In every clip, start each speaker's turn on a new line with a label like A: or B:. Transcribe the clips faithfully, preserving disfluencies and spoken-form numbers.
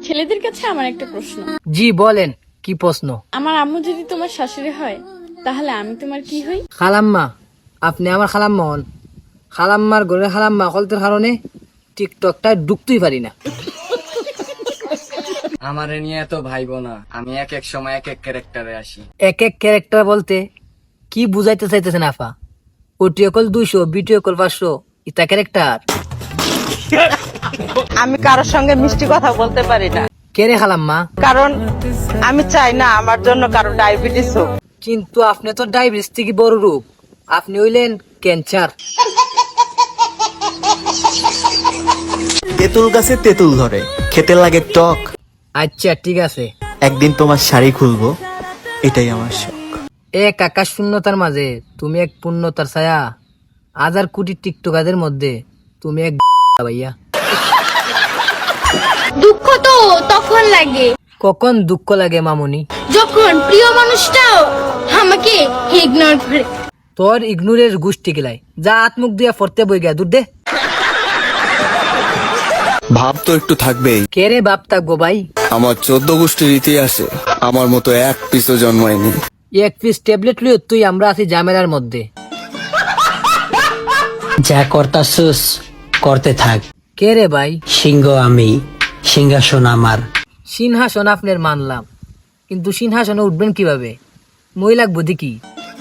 A: ছেলেদের কাছে আমার একটা প্রশ্ন।
B: জি বলেন, কি প্রশ্ন?
A: আমার আম্মু যদি তোমার শাশুড়ি হয় তাহলে আমি তোমার কি হই?
B: খালাম্মা। আপনি আমার খালাম্মা হন। খালাম্মার ঘরে খালাম্মা কলতের কারণে টিকটকটা ঢুকতেই পারি না।
C: আমারে নিয়ে এত ভাইবো না, আমি এক এক সময় এক এক ক্যারেক্টারে আসি।
B: এক এক ক্যারেক্টার বলতে কি বুঝাইতে চাইতেছেন আফা? ওটিও কল দুইশো, বিটিও কল পাঁচশো, ইতা ক্যারেক্টার?
D: আমি কারোর সঙ্গে মিষ্টি কথা বলতে পারি না,
B: কে রে খালাম্মা?
D: কারণ আমি চাই না আমার জন্য কারো ডায়াবেটিস হোক।
B: কিন্তু আপনি তো ডায়াবেটিস থেকে বড় রূপ, আপনি হইলেন ক্যান্সার।
E: তেঁতুল গাছে তেঁতুল ধরে, খেতে লাগে টক।
B: আচ্ছা ঠিক আছে।
E: একদিন তোমার শাড়ি খুলবো, এটাই আমার শখ।
B: এক আকাশ শূন্যতার মাঝে তুমি এক পূর্ণতার ছায়া, হাজার কোটি টিকটকারদের মধ্যে তুমি এক ভাইয়া।
F: দুঃখ তো তখন লাগে
B: কখন দুঃখ লাগে মামুনি?
F: যখন প্রিয় মানুষটাও আমাকে ইগনোর করে।
B: তোর ইগনোরের গোষ্ঠী গেলাই, যা আত্মুখ দিয়া ফরতে বই গা দূর দে।
G: ভাব তো একটু থাকবেই।
B: কে রে বাপ থাকবো ভাই?
G: আমার চোদ্দ গোষ্ঠীর ইতিহাসে আমার মতো এক পিসও জন্মায়নি।
B: এক পিস ট্যাবলেট লিও তুই আমরা আছি ঝামেলার মধ্যে।
H: যা করতাছুস করতে থাক।
B: কে রে ভাই?
H: সিংহ আমি, সিংহাসন আমার।
B: সিংহাসন আপনার মানলাম, কিন্তু সিংহাসনে উঠবেন কিভাবে? মই লাগবো দেখি।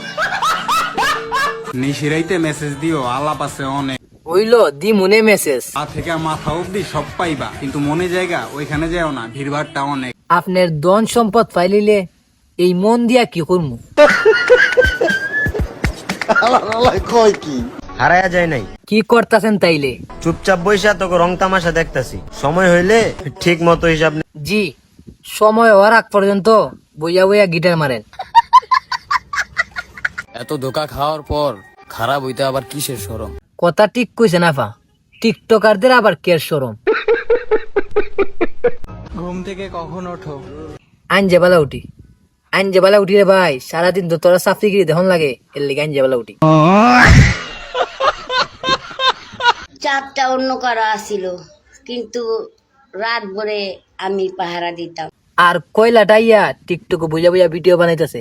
I: নিশিরাইতে মেসেজ দিও, আলাপ আছে অনেক।
B: হইল দি মনে মেসেজ।
I: পা থেকে মাথা অব্দি সব পাইবা, কিন্তু মনে জায়গা ওইখানে যাও না, ভিড়ভাড়টা অনেক।
B: আপনার ধন সম্পদ পাইলিলে এই মন দিয়া কি করমু?
J: হারায়া যায় নাই,
B: কি করতাছেন তাইলে?
J: চুপচাপ বইসা তোকে রং তামাশা দেখতাছি। সময় হইলে ঠিক মতো হিসাব নে-
B: জি, সময় হওয়ার আগ পর্যন্ত বইয়া বইয়া গিটার মারেন।
C: এত ধোকা খাওয়ার পর খারাপ হইতে আবার কিসের শরম?
B: কথা ঠিক কইছেন আফা, টিকটকারদের আবার কের শরম।
I: ঘুম থেকে কখন ওঠো?
B: আইনজে বেলা উঠি, আইনজে বেলা উঠি রে ভাই। সারাদিন তো তোরা সাফরিগিরি দেখুন লাগে, এর লিগে আইনজে বেলা উঠি।
K: চাপটা অন্য কারো আসিল, কিন্তু রাত ভরে আমি পাহারা দিতাম।
B: আর কয়লাটা ইয়া টিকটকে বুঝা বুঝা ভিডিও বানাইতেছে।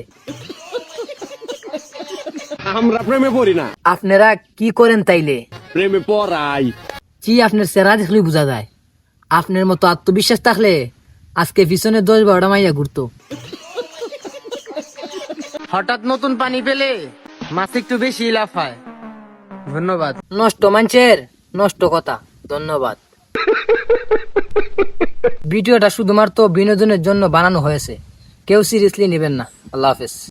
L: আমরা প্রেমে পড়ি না,
B: আপনারা কি করেন তাইলে?
L: প্রেমে পড়াই।
B: জি, আপনার চেহারা দেখলেই বোঝা যায়। আপনার মতো আত্মবিশ্বাস থাকলে আজকে পিছনে দশ বারোটা মাইয়া ঘুরতো।
C: হঠাৎ নতুন পানি পেলে মাছ একটু বেশি লাফায়। ধন্যবাদ।
B: নষ্ট মানুষের নষ্ট কথা, ধন্যবাদ। ভিডিওটা শুধুমাত্র বিনোদনের জন্য বানানো হয়েছে, কেউ সিরিয়াসলি নেবেন না। আল্লাহ হাফেজ।